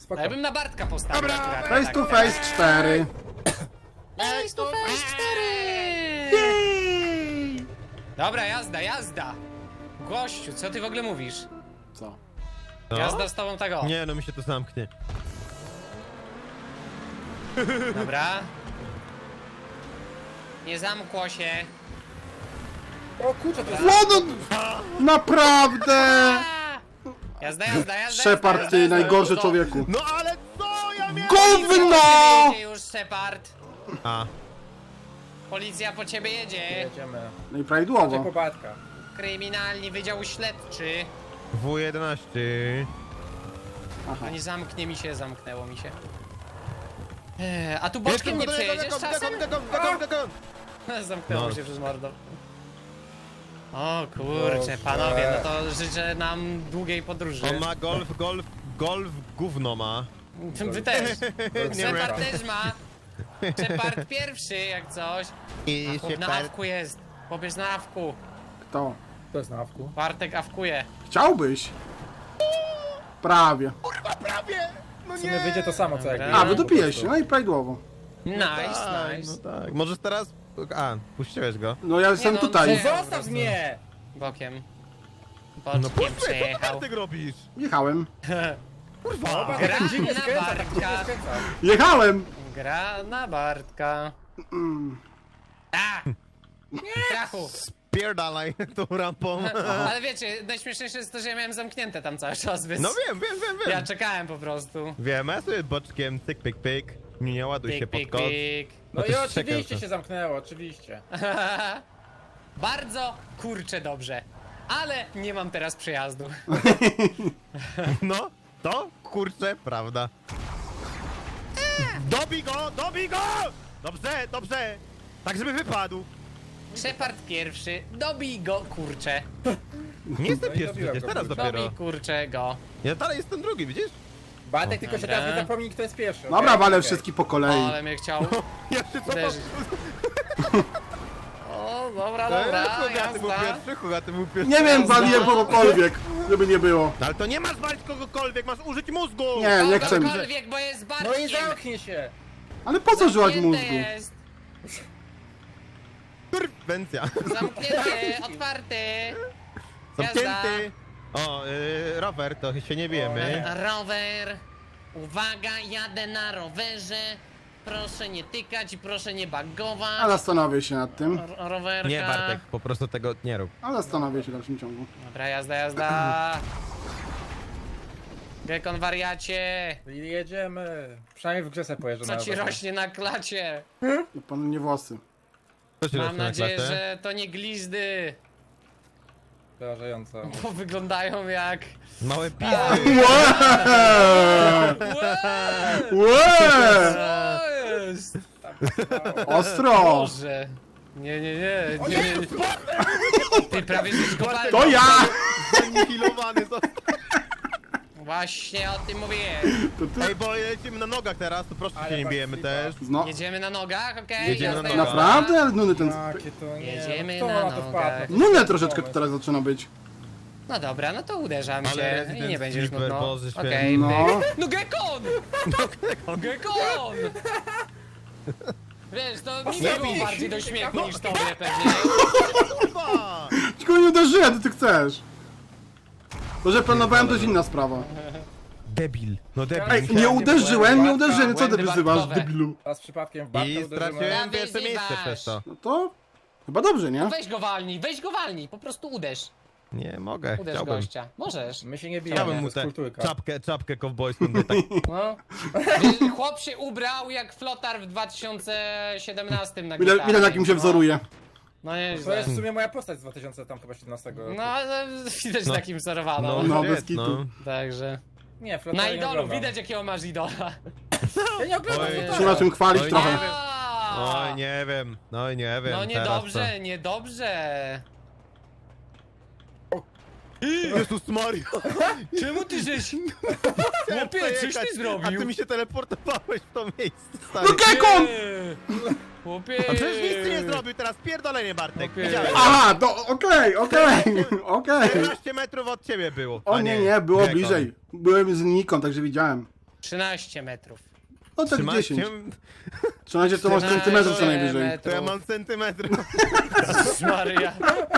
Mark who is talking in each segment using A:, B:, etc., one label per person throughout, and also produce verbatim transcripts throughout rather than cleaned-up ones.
A: spoko.
B: Ja bym na Bartka postawił.
C: Dobra,
B: akurat,
D: Face
B: tak.
D: to face cztery.
B: Face to face cztery!
D: Jej!
B: Dobra, jazda, jazda! Gościu, co ty w ogóle mówisz?
D: Co?
C: No?
B: Jazda z tobą tego.
C: Nie, no mi się to zamknie.
B: Dobra. Nie zamkło się.
A: O kurczę, to jest...
D: No, no, naprawdę!
B: A! Jazda, jazda, jazda.
D: Shepard,
B: jazda,
D: ty
B: jazda,
D: najgorszy
B: to-
D: człowieku.
C: No ale co ja miałem?
D: Gówno!
B: Jedzie już Shepard.
C: A,
B: Policja po ciebie jedzie.
A: Jedziemy.
D: No i
A: Chodźcie
D: prawidłowo.
A: po Bartka.
B: Kryminalny Wydział Śledczy.
C: W jedenaście.
D: Aha.
B: No nie zamknie mi się, zamknęło mi się. Eee, a tu boczkiem nie przejedziesz czasem? Zamknęło
C: No.
B: mi się przez mordo. O kurczę, panowie, no to życzę nam długiej podróży.
C: On ma golf, golf, golf gówno ma.
B: Wy też.
C: Nie
B: Shepard
C: wiem.
B: też ma. Shepard pierwszy, jak coś.
C: I
B: Chłop na awku jest. Chłop jest na awku.
D: Kto?
A: To jest na awku.
B: Bartek awkuje.
D: Chciałbyś? Prawie.
C: Kurwa, prawie! No
A: W sumie wyjdzie to samo co jak
B: Dobra.
D: A, wydupiłeś się, no i prawidłowo.
B: Nice,
C: Tak,
B: nice.
C: no tak. Możesz teraz... A, puściłeś go.
D: No ja jestem
B: no,
D: tutaj.
B: nie.
A: Zostaw mnie!
B: Bokiem.
C: No
B: Boczkiem
C: puść mnie, co
B: przejechał.
C: ty robisz?
D: Jechałem.
C: Kurwa!
A: Bartek
B: Gra
A: tak dziwnie
B: na
A: skręca, tak
B: Bartka.
A: dziwnie skręca.
D: Jechałem!
B: Gra na Bartka.
D: Mm.
B: A! Krachu!
C: Pierdalaj tą rampą.
B: Ale wiecie, najśmieszniejsze jest to, że ja miałem zamknięte tam cały czas, więc...
C: No wiem, wiem, wiem, wiem.
B: Ja czekałem po prostu.
C: Wiem, ja sobie boczkiem, tyk, pyk, pyk. Nie, nie ładuj się
B: Pik,
C: pod
B: pik,
C: kod.
B: pik.
A: No
C: to
A: i
C: jest
A: oczywiście
C: czekał.
A: się zamknęło, oczywiście.
B: Bardzo kurczę dobrze. Ale nie mam teraz przejazdu.
C: No, to kurczę, prawda. Dobij go, dobij go! Dobrze, dobrze. Tak, żeby wypadł.
B: Shepard pierwszy, dobij go kurczę.
C: Nie jestem
A: No i
C: pierwszy
A: dobiłem
C: przecież,
A: go,
C: teraz
A: kurczę.
C: dopiero.
B: Dobij kurczę go.
C: Ja dalej jestem drugi, widzisz?
A: Bartek tylko się
B: Dobra.
A: teraz nie zapomnij kto jest pierwszy.
D: Dobra,
A: okej?
D: walę
A: Okej.
D: wszystkich po
B: O,
D: kolei.
B: ale mnie chciał
C: Ja się co
B: uderzyć. O, dobra,
C: Dobra,
B: dobra,
C: Hugaty był
B: jazda.
C: pierwszy, Hugaty był pierwszy.
D: Nie wiem,
B: Jazda.
D: waliłem kogokolwiek, żeby nie było.
C: No ale to nie masz walić kogokolwiek, masz użyć mózgu!
D: Nie, nie chcę mi.
B: Kogokolwiek, bo jest Bartkiem.
A: No i zamknij się!
D: Ale po co używać
B: Zamknięte
D: mózgu?
B: jest.
C: Kurwencja.
B: Zamknięty, otwarty.
C: Zamknięty. O, yy, rower, to się nie wiemy.
B: Rower. Uwaga, jadę na rowerze. Proszę nie tykać i proszę nie bagować.
D: A zastanowię się nad tym.
B: R- rowerka.
C: Nie, Bartek, po prostu tego nie rób.
D: A zastanowię się w dalszym ciągu.
B: Dobra, jazda, jazda. Gekon wariacie.
A: Jedziemy. Przynajmniej w grze sobie pojeżdżę
B: Co
A: na
B: ci
A: rowerze.
B: rośnie na klacie?
D: No panu nie włosy.
C: Co ci
B: Mam
C: rośnie na
B: nadzieję,
C: klatę?
B: że to nie glizdy.
A: Przerażająco.
B: Bo wyglądają jak...
C: Małe pizdy.
D: Łeee! Łeee!
B: Co jest?
D: Ostro!
B: Boże. Nie, nie, nie. nie, nie, nie. Ty prawie żeś kopalni.
D: To ja!
C: Zanihilowany został.
B: Właśnie o tym mówiłem.
D: To ty...
C: Ej, bo lecimy na nogach teraz, to proszę
A: Ale
C: się nie
A: tak
C: bijemy
A: flipa.
C: też.
D: No,
B: Jedziemy na nogach, okej?
C: Jedziemy
B: Jazda,
C: na
B: jazda.
C: nogach.
D: naprawdę? Ale nuny ten...
A: Jakie to nie.
B: Jedziemy
A: no, kto
B: na
A: na to
B: nogach.
A: wpadł?
D: Nunę troszeczkę to teraz zaczyna być.
B: No dobra, no to uderzam
C: Ale
B: się
C: Resident
B: i nie będzie już
C: Sleeper,
B: nudno.
C: Boże święty.
B: Okej,
D: No.
B: no. no Gekon! Gekon! Wiesz, to mi było
C: bij.
B: bardziej do śmiechu niż tobie pewnie.
C: Kurwa!
D: Tylko nie uderzyłem, to ty chcesz. To, że planowałem, to jest inna sprawa.
C: Debil. No debil.
D: Ej,
C: musiałem-
D: nie uderzyłem, nie uderzyłem, co ty
B: Błędy
D: wyzywasz,
B: barkowe.
D: debilu?
A: Teraz przypadkiem w Bartka
C: I
A: uderzymy.
C: straciłem
B: No,
C: pierwsze miejsce
B: wyzywasz.
C: przez to.
D: No to... Chyba dobrze, nie?
B: Weź go walnij, weź go walnij, po prostu uderz.
C: Nie mogę,
B: Uderz
C: chciałbym.
B: gościa. Możesz.
A: My się nie bijemy,
C: Chciałbym
A: to
C: mu
A: jest
C: tę
A: kulturka.
C: czapkę, czapkę kowbojską dać tak.
B: No. Wiesz, chłop się ubrał jak flotar w dwa tysiące siedemnastym na
D: Ile,
B: gitarze.
D: ile na kim się
B: No.
D: wzoruje?
B: No
A: To
B: nieźle.
A: jest w sumie moja postać z dwa tysiące siedemnastego roku.
B: No, ale widać
C: No.
B: takim wzorowaną.
D: No,
C: shit,
D: bez kitu.
B: Także.
A: Nie, Flotar
B: Na
A: nie
B: idolu
A: oglądam.
B: widać jakiego masz idola.
A: Ja nie oglądam
C: Oj.
A: Flotara.
D: Się na czym chwalić
C: Oj,
D: trochę.
C: nie wiem. Oj, nie wiem, no nie wiem.
B: No
C: teraz
B: niedobrze, niedobrze.
C: to- Jezus Maria!
B: Czemu ty żeś... Chłopie, coś ty
C: A
B: zrobił?
C: ty mi się teleportowałeś w to miejsce, stary.
D: No Gekon!
B: Eee, Chłopie.
C: A przecież nic ty nie zrobił teraz, pierdolenie Bartek.
B: Okej.
C: Widziałem.
D: Aha, to okej, okej, okej.
C: czternaście metrów od ciebie było.
D: O
C: a
D: nie, nie, było
C: Gekon.
D: bliżej. Byłem z Niką, także widziałem.
B: trzynaście metrów.
D: No tak
C: Trzymacie?
D: dziesięć. trzynaście to masz centymetrów co najwyżej.
C: To ja mam centymetr.
B: Jezus Maria.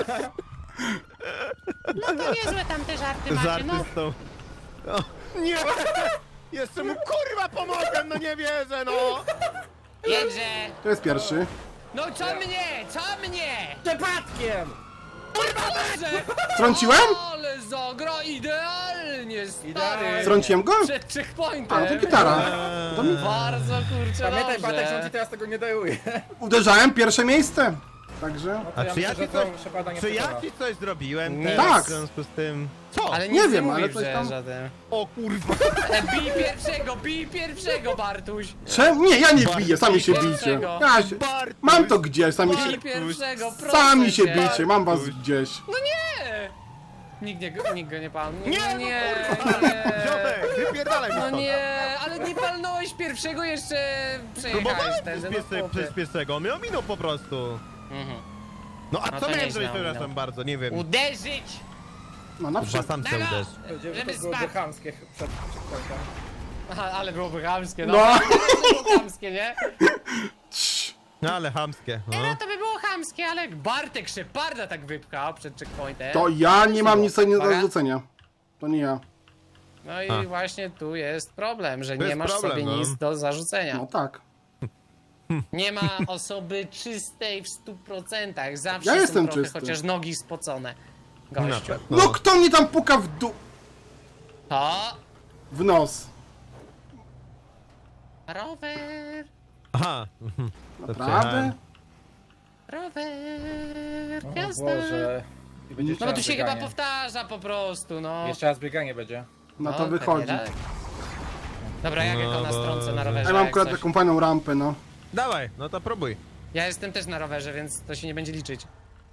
B: No to niezłe tam te żarty macie,
C: Żarty
B: no.
C: z tą... O, nie! Jeszcze mu kurwa pomogłem, no nie wierzę, no!
B: Jedźże.
D: To jest pierwszy.
B: No co mnie, co mnie?
A: Przypadkiem!
B: Kurwa Boże!
D: Trąciłem?
B: Ale zagra idealnie, stary.
A: Idealnie.
D: Trąciłem go?
B: Przed checkpointem.
D: A, no to gitara. To mi...
B: Bardzo kurczę
A: Pamiętaj,
B: dobrze.
A: Patek, że on ci teraz tego nie daruje.
D: Uderzałem pierwsze miejsce. Także...
A: No to
C: A
A: ja
C: czy
A: myślę,
C: ja
A: że
C: ci
A: to
C: coś,
A: Szepada nie
C: czy ja
A: przekona.
C: ci coś zrobiłem
B: Nie.
C: teraz
D: Tak.
C: w związku z tym? Co?
B: Ale
D: Nie
B: nic
D: wiem,
B: nie
D: ale
B: mówisz,
D: coś
B: że
D: tam-
B: żaden.
C: O kurwa!
B: E, bij pierwszego, bij pierwszego, Bartuś.
D: Czemu? Nie, ja nie
C: Bartuś,
D: biję, sami się
B: dlaczego?
D: bijcie. Ja się...
C: Bartuś!
D: Mam to gdzieś, sami
B: Bij
D: się...
B: pierwszego, proszę
D: Sami się
B: cię.
D: bijcie, mam was
C: Bartuś.
D: gdzieś.
B: No nie! Nikt, nie, nikt go nie palnął.
C: Nie,
B: Nie,
C: no
B: nie,
C: kurwa!
B: nie.
C: Ziomek, wypierdalaj mi
B: No
C: stąd.
B: nie, ale nie palnąłeś pierwszego, jeszcze przejechałeś
C: Próbowałem
B: ten.
C: przez, pies, przez piesego, mnie ominął po prostu.
B: Mhm.
C: No a
B: No
C: co
B: to
C: miałem
B: nieźle
C: zrobić, przepraszam
B: ominął.
C: bardzo, nie wiem.
B: Uderzyć!
D: No na
C: Chyba
D: przykład.
C: sam się
B: Dawaj!
C: uderz.
A: Żeby
B: Żeby
A: to byłoby
B: spadł.
A: chamskie przed checkpointem.
B: Aha, ale byłoby chamskie, no.
D: No.
B: Ale to by było chamskie, nie?
C: No ale chamskie,
B: No
C: no.
B: to by było chamskie, ale jak Bartek Szeparda tak wypchał przed checkpointem.
D: To ja nie mam nic do
B: Uwaga.
D: zarzucenia. To nie ja.
B: No i
C: A.
B: właśnie tu jest problem, że
C: To
B: nie
C: jest
B: masz
C: problem,
B: sobie
C: no.
B: nic do zarzucenia.
D: No tak.
B: Nie ma osoby czystej w stu procentach. Zawsze
D: Ja
B: są
D: jestem
B: trochę
D: czysty.
B: chociaż nogi spocone.
C: Na
B: Gościu.
C: pewno.
D: No kto mnie tam puka w dół?
B: To
D: W nos.
B: rower,
C: Aha. mhm. To
D: Naprawdę?
C: przejechałem.
B: rower,
A: O
B: jazda.
A: Boże. I będzie jeszcze
B: No bo tu
A: raz
B: się chyba
A: bieganie.
B: powtarza po prostu, no.
A: Jeszcze raz bieganie będzie.
D: No to
B: pewnie
D: wychodzi.
B: tak. Dobra, jak
C: No
B: jako na stronce na rowerze.
D: Ja mam
B: jak
D: akurat
B: coś.
D: taką fajną rampę, no.
C: Dawaj, no to próbuj.
B: Ja jestem też na rowerze, więc to się nie będzie liczyć.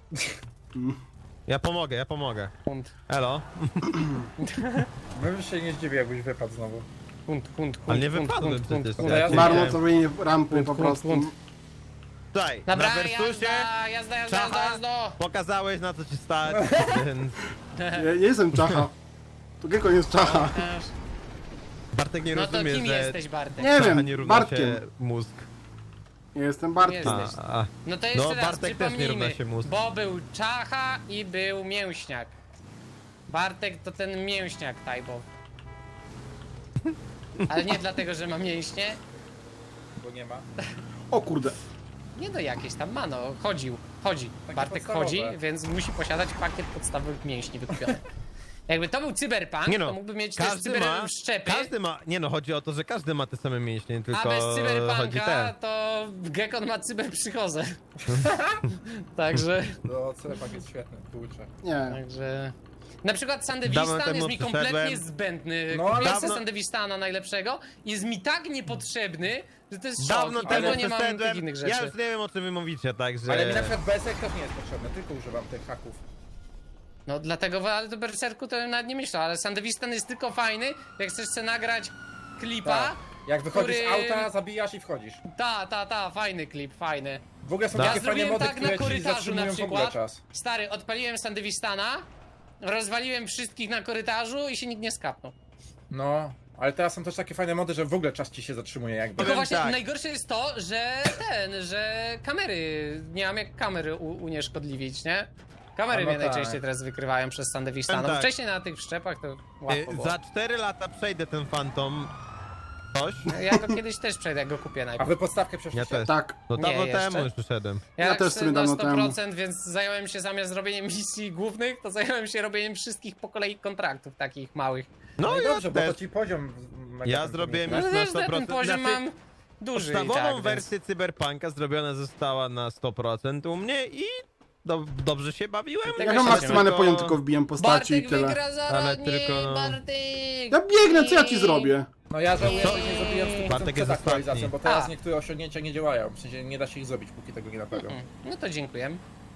C: Ja pomogę, ja pomogę.
B: Hunt,
C: Elo.
A: Bym się nie zdziwił, jakbyś wypadł znowu.
B: hunt, hunt, hunt,
C: Ale nie
B: hunt,
C: wypadłem
B: hunt, hunt,
C: przecież.
B: hunt.
A: Ja-
D: Marnocowanie rampy po
B: Hunt,
D: prostu.
B: hunt,
C: Tutaj,
B: Dobra,
C: na Versusie
B: jazda, jazda, jazda, jazda,
C: Czacha.
B: jazda.
C: pokazałeś na co ci stać, więc
D: Ja nie jestem czacha. To Geko nie jest czacha.
C: Bartek nie
B: No to
C: rozumie,
B: kim
C: że
B: jesteś, Bartek?
D: Nie
C: czacha
D: wiem,
C: nie równa
D: Bartkiem.
C: się mózg.
D: Ja jestem Bartkiem.
B: Nie
C: A,
B: Jesteś.
C: a.
B: No to jeszcze
C: No,
B: raz
C: Bartek też nie równa
B: przypomnijmy,
C: się mózg.
B: bo był Czacha i był Mięśniak. Bartek to ten Mięśniak Tajbo. Ale nie dlatego, że ma mięśnie.
A: Bo nie ma.
D: O kurde.
B: Nie no jakieś tam ma, no chodził, chodzi.
A: Takie
B: Bartek
A: podstawowe.
B: chodzi, więc musi posiadać pakiet podstawowych mięśni wykupiony. Jakby to był cyberpunk,
C: Nie no,
B: to mógłby mieć też
C: każdy ma,
B: cyberszczepy.
C: każdy ma, nie no, chodzi o to, że każdy ma te same mięśnie, tylko
B: A bez
C: chodzi
B: cyberpunka
C: ten.
B: to Gekon ma cyberpsychozę. Także,
A: No, Cyberpunk jest świetny, kurczę.
D: Nie.
B: także... Na przykład
C: Dawno
B: Sandewistan
C: temu
B: jest mi kompletnie
C: przyszedłem.
B: zbędny.
A: No,
B: No,
A: ale
B: Kupiłem
C: dawno-
B: Sandewistana najlepszego i jest mi tak niepotrzebny, że to jest
C: Dawno
B: szok. I
C: temu
B: tego nie mam tych
C: przeszedłem,
B: innych rzeczy.
C: ja już nie wiem o czym wy mówicie, także...
A: Ale mi na przykład B Sek też nie jest potrzebny, tylko używam tych haków.
B: No dlatego, ale do Berserku to bym nawet nie myślał, ale Sandewistan jest tylko fajny, jak chcesz sobie nagrać klipa.
A: Tak. Jak wychodzisz z
B: który-
A: auta, zabijasz i wchodzisz.
B: Ta, ta, ta, fajny klip, fajny.
A: W ogóle są
C: Ja
A: takie fajne
B: zrobiłem
A: mody,
B: tak na
A: które ci
B: korytarzu
A: zatrzymują
B: na
A: w ogóle
B: przykład.
A: czas.
B: Stary, odpaliłem Sandewistana, rozwaliłem wszystkich na korytarzu i się nikt nie skapnął.
A: No, ale teraz są też takie fajne mody, że w ogóle czas ci się zatrzymuje jakby.
B: Tylko
C: Powiem
B: właśnie
C: tak.
B: najgorsze jest to, że ten, że kamery, nie mam jak kamery u, unieszkodliwić, nie? Kamery
A: A no
B: mnie
A: tak.
B: najczęściej teraz wykrywają przez Sandewistana,
C: Powiem
B: bo
C: tak.
B: wcześniej na tych wszczepach to
C: Y,
B: łatwo było.
C: Za cztery lata przejdę ten Phantom. Coś?
B: Ja go kiedyś też przejdę, jak go kupię
A: A
B: najpierw.
A: wy podstawkę
C: Ja
A: przeszliście?
C: też.
D: Tak.
C: No
B: Nie,
C: dawno
B: jeszcze.
C: temu już przyszedłem.
B: Ja,
D: Ja
B: tak
D: też
B: chcę
D: sobie
B: na
D: dawno
B: sto procent, więc zająłem się zamiast robieniem misji głównych, to zająłem się robieniem wszystkich po kolei kontraktów takich małych.
C: No,
A: No i
C: ja
A: dobrze, bo
C: też.
A: to ci poziom... mega
C: Ja
A: tam
C: zrobiłem
A: podniesie.
B: No
C: już
B: to
C: na
B: też
C: sto
B: na
C: procent.
B: ten poziom
C: Znaczy,
B: mam duży i
C: podstawową
B: tak, więc...
C: wersję Cyberpunka zrobiona została na sto procent u mnie i do, dobrze się bawiłem.
B: Tego
D: Ja
B: się
D: mam
B: nie
D: maksymalny
C: Tylko-
D: poziom, tylko wbijam postaci i
B: Bartek
D: tyle.
B: wygra za
C: Ale
B: nie,
C: tylko, no.
B: Bartek!
D: Ja biegnę, co ja ci zrobię?
A: No ja żałuję,
B: Co?
A: że nie zrobiłem sto procent
C: Bartek jest
A: przed aktualizacją,
C: ostatni.
A: bo teraz
B: A.
A: niektóre osiągnięcia nie działają. W sensie nie da się ich zrobić, póki tego nie naprawią.
B: Mm, No to dziękuję.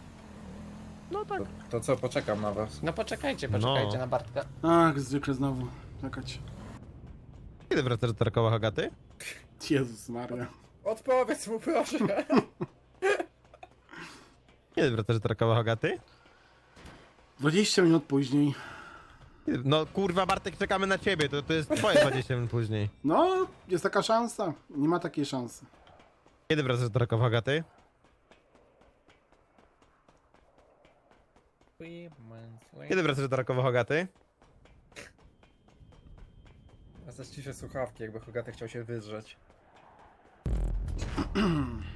C: No tak.
A: To, to co, poczekam na was.
B: No poczekajcie, poczekajcie
C: No.
B: na Bartka.
D: Ach, zwykle znowu. Czekać.
C: Kiedy wracasz do Tarkowa, Hogaty?
D: Jezus Maria.
A: Odpowiedz mu proszę.
C: Kiedy wracasz do Tarkowa, Hogaty?
D: dwadzieścia minut później.
C: No kurwa Bartek, czekamy na ciebie, to, to jest twoje dwadzieścia minut później.
D: No, jest taka szansa. Nie ma takiej szansy.
C: Kiedy wracasz do Rakowa, Hogaty? Kiedy wracasz do Rakowa, Hogaty?
A: Ja zaś ciszę słuchawki, jakby Hogaty chciał się wydrzeć.